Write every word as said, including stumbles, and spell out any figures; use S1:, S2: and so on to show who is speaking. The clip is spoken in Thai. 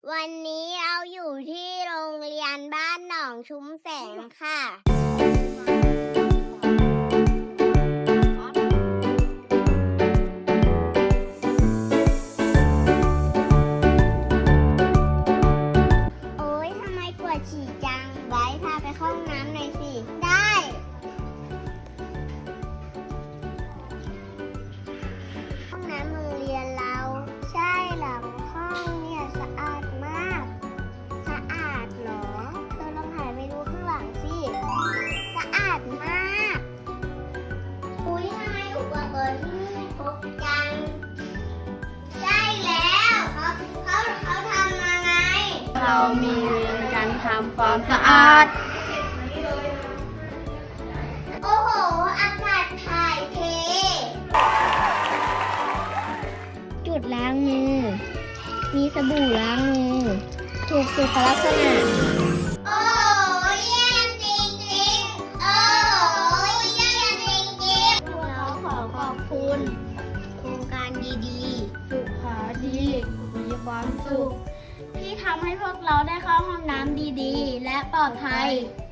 S1: วันนี้เราอยู่ที่โรงเรียนบ้านหนองชุมแสงค่ะโอ๊ยทำไมปวดฉี่จังไว้พาไปเข้าห้องน้ำหน่อยสิได้ห้องน้ำโรงเรียนเราใช่หลังห้องเนี่ยสะอาดมากสะอาดเหรอเธอลองหันไปดูข้างหลังสิสะอาดมากอุ๊ยทำไมอุปกรณ์ที่นี่ครบจังใช่แล้วเขาเขาเขาทำมาไง
S2: เรามีการทำความสะอาด
S1: โอ้โหอากาศถ่ายเทจุดล้างมือมีสบู่ล้างมือถูกสุขลักษณะโอ้โหเยี่ยมจริงๆโอ้โหเยี่ยมจริงๆเราขอขอบคุณโครงการดีๆ
S2: สุขาดีมีความสุขที่ทำให้พวกเราได้เข้าห้องน้ำดีๆและปลอดภัย